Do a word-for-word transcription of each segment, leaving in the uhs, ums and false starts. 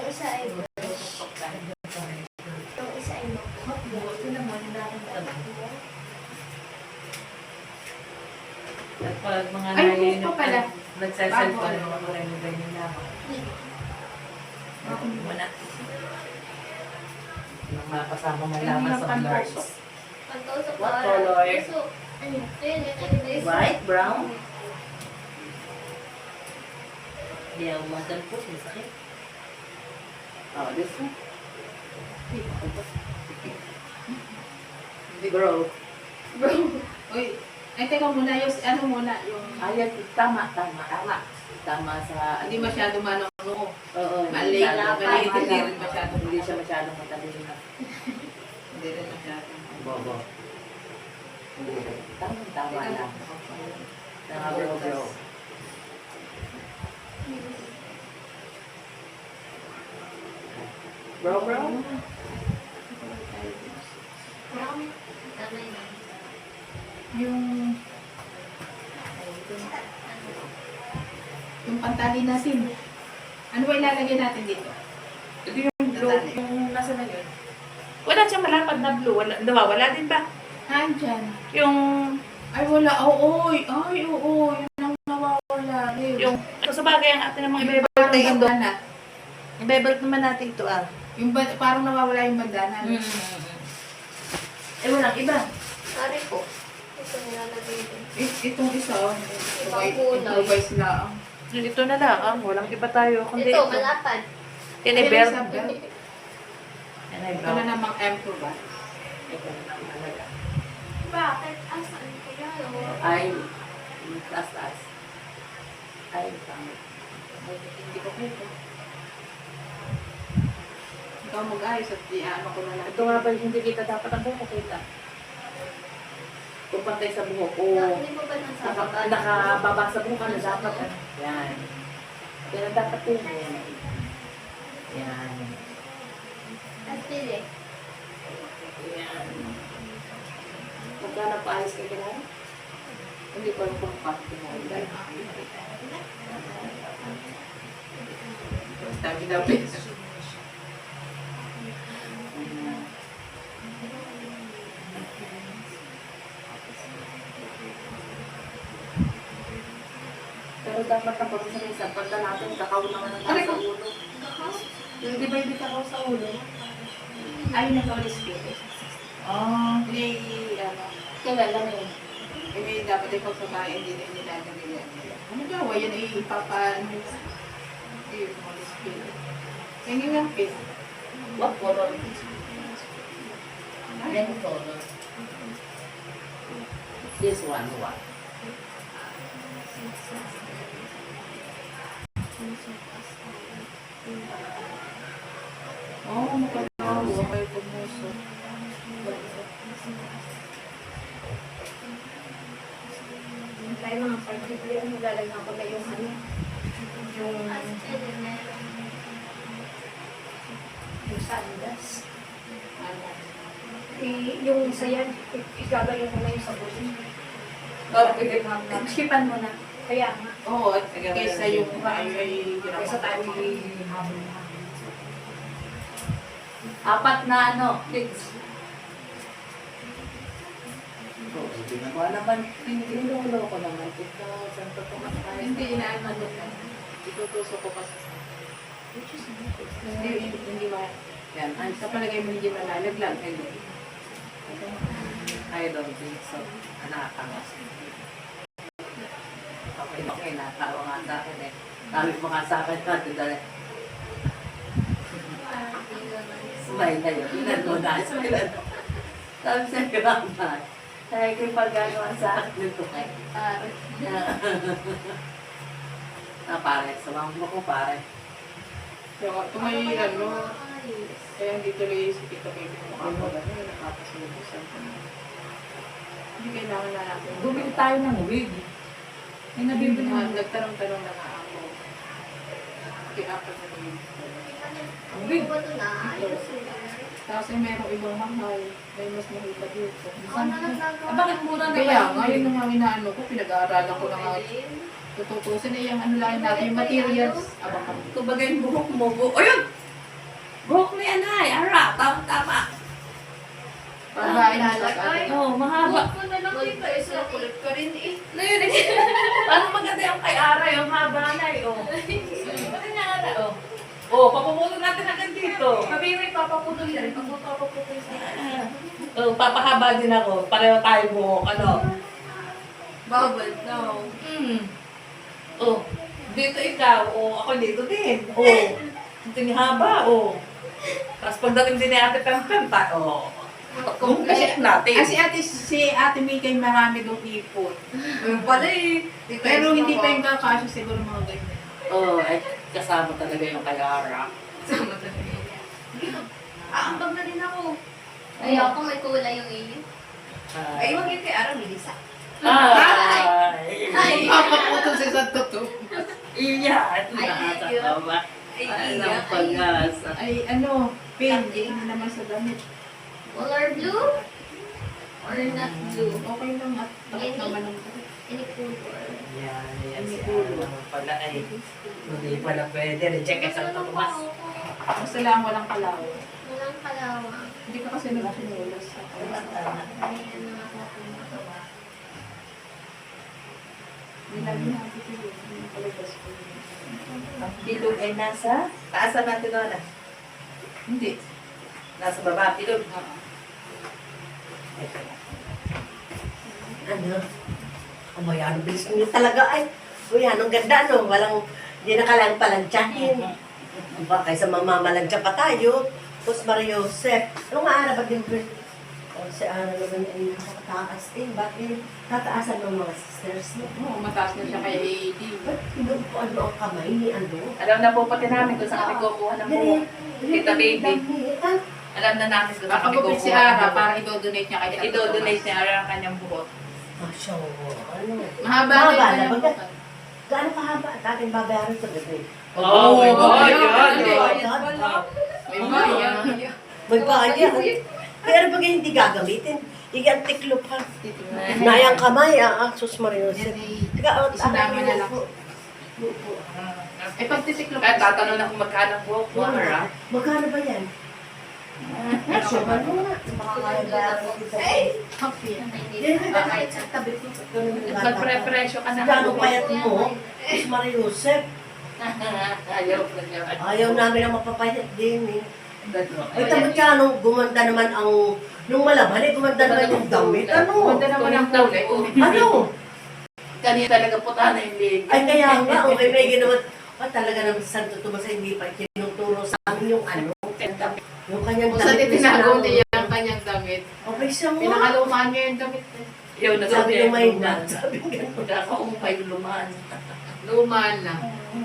Yung isa ay yung isa ay Ito naman, nakakatawa. At pag mga Ay, naiinom buko pala. nagsasalpan, Bago. mga maraming ganyan lamang. Muna. Yung mga kasama mo lamang sa colors. pagkausap What color? So, ano, yun, yun, yun, yun. White, brown? Hindi ako madalpos, may sakit. Oh, this one. Bro. Bro. Uy, ay teka muna, yung ano muna, yung Ayan, tama, tama, tama. Tama sa... hindi masyado manong-no. Oo, Mali, masyado. mali, Tama hindi lang. rin masyado. Hindi siya masyadong matalino na. Hindi rin masyado. Bobo. Hindi rin. Tama, tama lang. Tama, bro, bro. Bro, bro? Tama yun. Yung yung pantali natin. Ano ba ilalagay natin dito? Ito yung blue, yung nasa na yun. Wala siyang malapad na blue. Wala, nawawala din ba? Nandyan. Yung, Ay, wala. Oo, ay, ay, oo. Yun ang nawawala. Ayun. yung, so, sa bagay ang atin ng mga Yung ibebelt parang natin doon. bandana. Ibebelt naman natin ito ah. Yung ba- parang nawawala yung bandana. Mm. Eh, walang iba. Pare ko. Ito nilalagay din. Eh, itong isa, oh. Ibang kulay. Improvise lang. Ito na lang ah. Walang iba tayo. Kundi Ito, ito. malapad. Yan ay Ayun, belt. isa belt. Yan ay Ito na belt. namang M two ba? Ito na naman talaga. Bakit? Asan kaya? Ay, taas taas. Ay, pangit. Hindi ko kaya. Ikaw mag-ayos at i-ano ko na lang. Ito nga ba hindi kita dapat ang buhok kita? Kung pantay sa buhok ko, Hindi mo ba nasa naka, baba? nakababa sa buhok ka na dapat. ano? Yan. Yan ang dapat yun. Yan. At pili. Yan. Pagka napaayos ka kailangan? Hindi ko alam kung paano mo. Sabi daw, please. Pero dapat ako sa isang pagka natin, kakao naman ang nasa ulo. Yung di ba hindi kakao sa ulo? Ay, nag-olis ko. Ah. Hindi, ano, Kailan lang yun? hindi dapat ikaw sa bahay, hindi na nilalagay yan. Ano daw, yan ay ipapa, ano, hindi yung olis ko. Yan yung lang pin. What color? Red color. This one, what? Oo, oh, makalawa kayo pumuso. Tayo mga particular, ano lalagyan ko na yung ano? Yung... Yung sandas. Ano? Eh, yung isa yan, igagayon ko na yung sabon. Oh, pwede Skipan mo na. Kaya nga. Oo, at kaysa yung tayo ay Kaysa tayo habol na. Apat na ano, kids. Wala naman, tinulong ko naman. Ito, saan pa po mas tayo? Hindi, inaano ko na. Itutusok ko kasi. Hindi, hindi, hindi ma... Yan, ay, sa palagay mo hindi malalaglag. Hindi. I don't think so. Nakakamas. Okay, okay, natawa nga sa akin eh. Sabi mo nga sa akin natin dali. Smile na yun. Ilan mo na. Smile na. Sabi sa grandma. Kaya kayo pag-gagawa sa akin nito kay. Pare. Ah, pare. Sumama mo ko, pare. Kaya tumayi, ano, kaya hindi tuloy si Tito Baby mo ako. Ano, nakakasunod sa hindi kailangan na natin. Bumili tayo ng wig. May nabibili Ah, mo. nagtanong-tanong na nga ako. Kaya ako na rin. Ang wig. Ano ba ito na? Ayos yun. Tapos ay merong ibang mahal. May mas mahita dito. Ako na lang gagawa. Ah, bakit mura na Kaya ba nga, yun ang mga inaano ko. Pinag-aaralan ko na nga. Tututusin na yung ano lang natin, yung materials. Abang kami. Kumbaga yung buhok mo. Bu- Ayun! Buhok ni Anay, ara, tama-tama. Babae na sa Lalagay. ate. Oo, mahaba. Huwag mo na lang dito. Isa kulit ka rin eh. Na yun eh. Parang maganda yung kay Ara, yung haba na eh. Oh. Pati niya Ara, oh. Oh, papuputol natin agad dito. Sabi mo ipapaputol yan. Pag magpapaputol siya. Oh, papahaba din ako. Pareho tayo buhok, ano. Bubble, no. Hmm. Oh, dito ikaw. Oh, ako dito din. Oh, ito yung haba, oh. Tapos pagdating din ni Ate Pempem pa, oh. Kung kasi natin. Ah, si ate, si ate May kay marami doon ipon. Yung pala eh. Di Pero tayo hindi pa sumama. yung kakasya siguro mga ganyan. Oh, ay, kasama talaga yung kay Ara. Sama talaga. Aambag na din ako. Ayoko may kulay yung iyo. Ay, wag yung kay Ara, Melissa. Ay! Ay! Papaputol si Santo to. Iya! Ito Ay, nakakatawa. Ay, Ay, iya. ang pag-asa. Ay, ano, pin, hindi naman sa damit. Color blue? Or not blue? Okay lang at takot naman ng Any color? Yan, yan si Ara naman pala ay. Hindi pala pwede. Reject ka sa Tomas. Basta lang walang kalaw. Walang kalawang. Hindi ka kasi nagsinulas sa Ay, ano nga sa akin. Nilagyan natin ito yun. Yung palabas ko yun. Ang bilog ay nasa taasan natin doon. ah. Hindi. Nasa baba, bilog. Ano? Oh, yan, ang bilis nyo talaga ay. Uy, anong ganda, no? Walang, hindi na kailangan palansyahin. Diba, kaysa mamamalansya pa tayo. Tapos Maria Joseph. Ano nga, ano ba din? Oh, si Ana naman ay nakataas eh. Bakit tataasan ng mga sisters mo? Oo, mataas na siya kay A D. Ba't pinog po ano ang kamay ni ano? Alam na po pati namin kung saan kami kukuha ng buhok. Kita baby. Ah, Alam na namin kung saan kami Papagupit kukuha si ng Ara buhok. para i-donate niya kay Santo I-donate Tomas. ni Ara ang kanyang buhok. Masya Allah. Ano? Mahaba Mahaba na na, yung baga- buhok. Gaano kahaba? Dating babayaran sa gabi. Oh, my God! Ayun, Yan, hindi. yan. May bayan. May bayan. Pero pag hindi gagamitin, iyan tiklop ka. Nayang kamay, ah, ah, sus Marinos. Yan ay Teka, oh, isinama na lang. Lupo. Eh, pag titiklop Kaya tatanong na kung magkano ang buhok mo, Ara. Magkano ba yan? Ay, suman mo na. Makakaya bayaran kita. Ay! Happy. Yan, kahit sa tabi ko. Magpre-presyo ka na. Gano'ng payat mo? Sus Mariosep. Ayaw na niya. Ayaw namin ang mapapayat din eh. Ay, tamad ka, nung gumanda naman ang... Nung malaban eh, gumanda naman yung damit. Ano? Ganda naman ang kulay. Ano? Kanina talaga puta na hindi. Ay, kaya nga, okay, may ginawa. Ah, talaga naman si Santo Tomas ay hindi pa tinuturo sa amin yung ano, yung kanyang Kung saan damit. na itinago sinama. niya ang kanyang damit. Okay siya mo. Pinakalumaan niya yung damit. Ayaw na Sabi yung may na. lumaan. Sabi gano'n. Kakaumay lumaan. Lumaan na.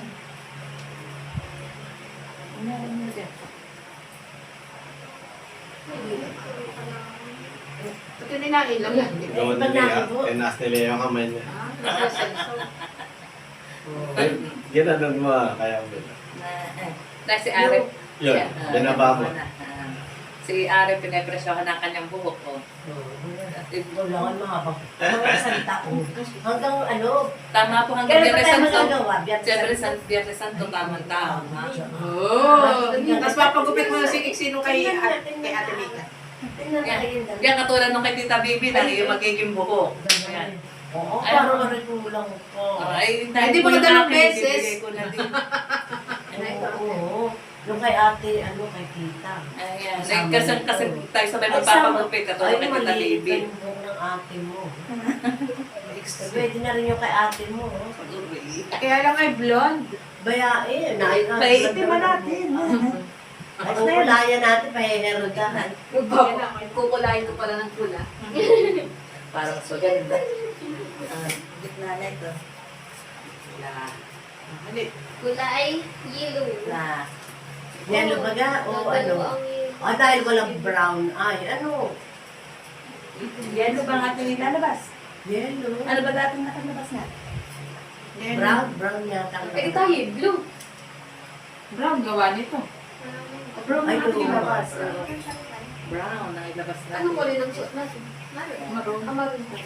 Ito ninailaw yan. di ba? Gawin ni Lea. Tinaas ni Lea yung kamay niya. Ah, nasa senso. Ay, ginanon mo ah, kaya mo. Na si Arep. Yun, Siya, ah, binaba mo. ah, ah. Si Arep, pinapresyohan ng kanyang buhok ko. Kailangan mahabang. Mga salita ko. Hanggang ano, Tama po hanggang kailan pa Biyernes tayo Santo. magagawa? Biyernes Siyempre, Santo. San Biyernes Santo, tama-tama. Oh, tapos papagupit mo na si Sino kay, at, kay Ate Mika. Tingnan Yan, natin yung yan katulad nung kay Tita Bibi na yung magiging buhok. Yan. Oo, Ay, parang marikulang ko. Ay, Ay, di ba ko yung dalawang akin, beses? ibibigay ko na din. Oo. Yung kay ate, ano, kay tita. Ayan. Ay, kasi, kasi tayo sabay Ay, magpapagupit sama. katulad Ay, kay Tita maliit Bibi. yung buhok ng ate mo. Pwede na rin yung kay ate mo. oh. Kaya lang ay blonde. Bayae, naay nga. Paiitin mo natin. Ay, kukulayan natin, pahiherodahan. Kukulayin ko pala ng kula. Parang so ganda. Ah, gitna na ito. Na. Hindi. Kulay yellow. Na. Yellow baga, o ano? Dalawa ang yellow. O dahil walang brown eye, ano? Yellow ba ang ating nilalabas? Yellow. Ano ba dating nakalabas na? Brown, brown yata. Eh, tayo, blue. Brown gawa nito. Brown Ay, ang ating oo. nilabas. Brown ang ilabas na. Anong kulay ng suot natin? Maroon. Maroon. Ah, maroon po.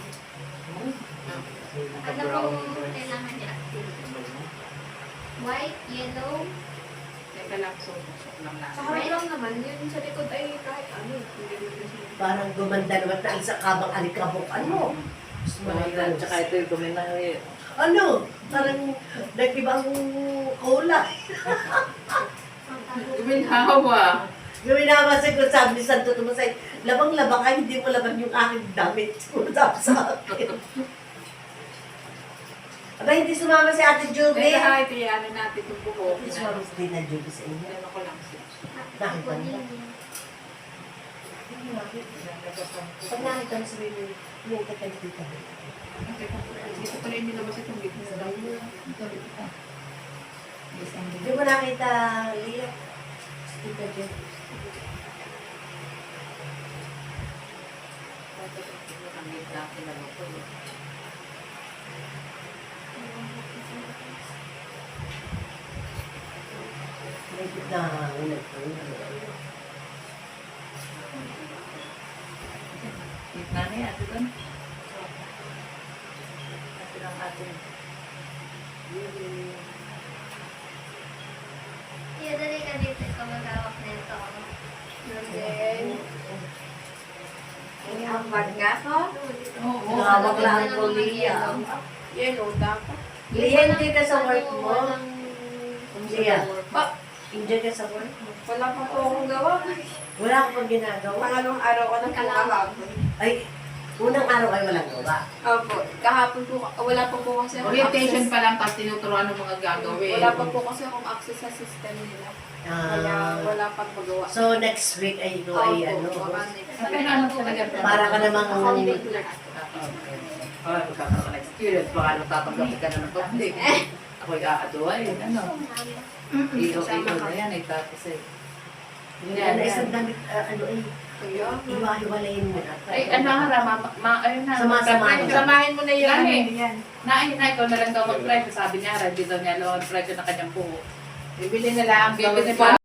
Ano pong kailangan niya? White, yellow, Teka lang. susok lang Sa natin. harap lang naman, yun sa likod ay kahit ano. Hindi naman siya. Parang gumanda naman na sa kabang alikabok. Ano? Gusto mo na Mahal, yun. tsaka ito yung kuminahe. Ano? Parang nag-ibang cola. Guminhawa. Yung inabasag ko, sabi ni Santo Tomasay, labang-labang ka, hindi mo laban yung aking damit. Sabi sa akin. Aba, hindi sumama si Ate Juby. Eh, kahit iyanin natin itong buhok. Hindi sumama si Dina Juby sa inyo. Ano ko lang siya. Nakita mo? Pag nakita mo sabihin mo, yung kakay dito. Dito pala yung nilabas itong gitna sa daw. Hindi mo nakita, Lia. Tita Juby. Ang gitna kinalo ko. May gitna hangin ito. Gitna na yan, ito doon. Ito lang atin. Iya, dali ka dito. Ikaw mag-awak na ito. And then, ay, ang bag nga ko. Oo. Hawak lang ko, Lia. Yellow dapat. Lia, hindi ka sa work mo. Walang... Lia, Ba, enjoy ka sa work mo. wala pa po akong gawa. Wala ka pang ginagawa. Pangalawang araw ko na po kahapon. Ay, unang araw ay walang gawa. Opo, kahapon po, wala pa po kasi akong Orientation access. pa lang tapos tinuturuan ng mga gagawin. Wala pa po kasi akong access sa system nila. Kaya Ah, wala pang magawa. so next week ay ito ay ano. Sabi na ano talaga. Para ka namang Ah, magkakaroon ka ng experience. Baka natatanggap ka na ng public. Ako'y aaduay. Ano? Iyo-iyo na yan eh. Tapos eh. yan na isang damit, ah, ano ay, Kaya, iwa-iwalayin mo na. Ay, ano nga ra, ma, ma, ayun na. Sama-samahin. Samahin mo na yun. Gani. Ano yan. Na, na, ikaw na lang daw mag-try. Sabi niya, hindi daw niya alam ang try ko na kanyang buho. Bibili na lang. Bibili Bibili pa.